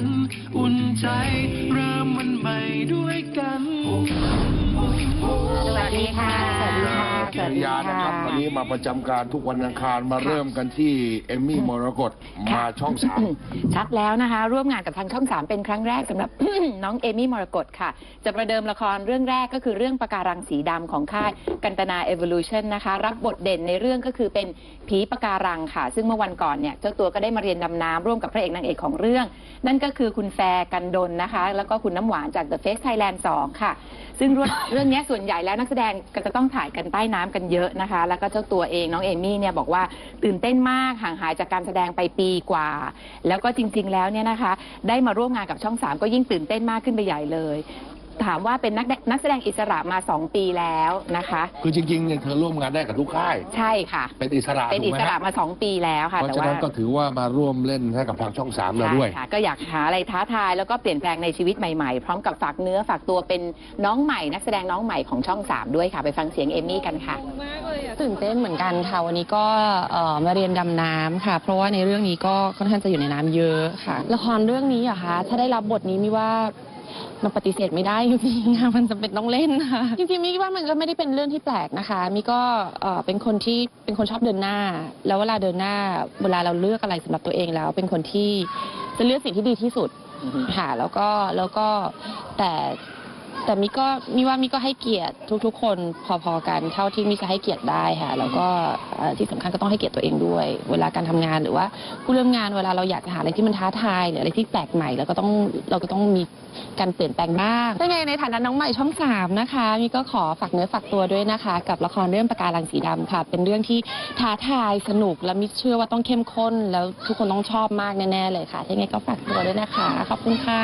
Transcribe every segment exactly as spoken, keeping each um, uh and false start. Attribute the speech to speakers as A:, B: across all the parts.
A: กันอุ่นใจเริ่มวันใหม่ด้วยกัน
B: สวัสดีค่ะสวัสดีค่ะสวัสดีค่ะ
C: นะครับวันนี้มาประจำการทุกวันอังคารมาเริ่มกันที่เอมมี่มรกตมาช่องสาม
B: ชัดแล้วนะคะร่วมงานกับทางช่องสามเป็นครั้งแรกสำหรับ น้องเอมี่มรกตค่ะจะประเดิมละครเรื่องแรกก็คือเรื่องปะการังสีดำของค่ายกันตนา Evolution นะคะรับบทเด่นในเรื่องก็คือเป็นผีปะการังค่ะซึ่งเมื่อวันก่อนเนี่ยเจ้าตัวก็ได้มาเรียนดำน้ำร่วมกับพระเอกนางเอกของเรื่องนั่นก็คือคุณแฟร์กันดลนะคะแล้วก็คุณน้ำหวานจาก The Face Thailand สองค่ะซึ่งเรื่องนี้ส่วนใหญ่แล้วนักแสดงก็จะต้องถ่ายกันใต้น้ำกันเยอะนะคะแล้วก็เจ้าตัวเองน้องเอมี่เนี่ยบอกว่าตื่นเต้นมากห่างหายจากการแสดงไปปีกว่าแล้วก็จริงๆแล้วเนี่ยนะคะได้มาร่วมงานกับช่องสามก็ยิ่งตื่นเต้นมากขึ้นไปใหญ่เลยถามว่าเป็นนักนักแสดงอิสระมาสองปีแล้วนะคะ
C: คือจริงๆเนี่ยเธอร่วมงานได้กับทุกค่าย
B: ใช่ค่ะ
C: เป็นอิสระ
B: เป็นอิสระมาสองปีแล้วค่ะ
C: เพราะฉะนั้นก็ถือว่ามาร่วมเล่นให้กับทางช่องสามเราด้วย
B: ค่ะก็อยากหาอะไรท้าทายแล้วก็เปลี่ยนแปลงในชีวิตใหม่ๆพร้อมกับฝากเนื้อฝากตัวเป็นน้องใหม่นักแสดงน้องใหม่ของช่องสามด้วยค่ะไปฟังเสียงเอมี่กันค่ะ
D: ตื่นเต้นเหมือนกันค่ะวันนี้ก็มาเรียนดำน้ำค่ะเพราะว่าในเรื่องนี้ก็ค่อนข้างจะอยู่ในน้ำเยอะค่ะละครเรื่องนี้อะคะถ้าได้รับบทนี้มิว่ามันปฏิเสธไม่ได้จริงๆค่ะมันจำเป็นต้องเล่นค่ะจริงๆมิว่ามันก็ไม่ได้เป็นเรื่องที่แปลกนะคะมิก็เป็นคนที่เป็นคนชอบเดินหน้าแล้วเวลาเดินหน้าเวลาเราเลือกอะไรสำหรับตัวเองแล้วเป็นคนที่จะเลือกสิ่งที่ดีที่สุดค่ะแล้วก็แล้วก็แต่แต่มิก็มิว่ามิก็ให้เกียรติทุกๆคนพอๆกันเท่าที่มิจะให้เกียรติได้ค่ะแล้วก็ที่สำคัญก็ต้องให้เกียรติตัวเองด้วยเวลาการทำงานหรือว่าผู้ร่วมงานเวลาเราอยากจะหาอะไรที่มันท้าทายหรืออะไรที่แปลกใหม่แล้วก็ต้องเราก็ต้องมีการเปลี่ยนแปลงบ้างยังไงในฐานะน้องใหม่ช่องสามนะคะมิก็ขอฝากเนื้อฝากตัวด้วยนะคะกับละครเรื่องปะการังสีดำค่ะเป็นเรื่องที่ท้าทายสนุกและมิเชื่อว่าต้องเข้มข้นแล้วทุกคนต้องชอบมากแน่ๆเลยค่ะยังไงก็ฝากตัวด้วยนะคะขอบคุณค่ะ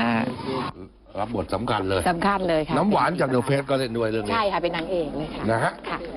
C: รับบทสำคัญเลย
B: สำคัญเลยค่ะ
C: น้ำหวานจากเดอะเฟสก็เล่นด้วยเรื่องนี้
B: ใช่ค่ะเป็นนางเอกเลยค่ะ
C: นะฮะ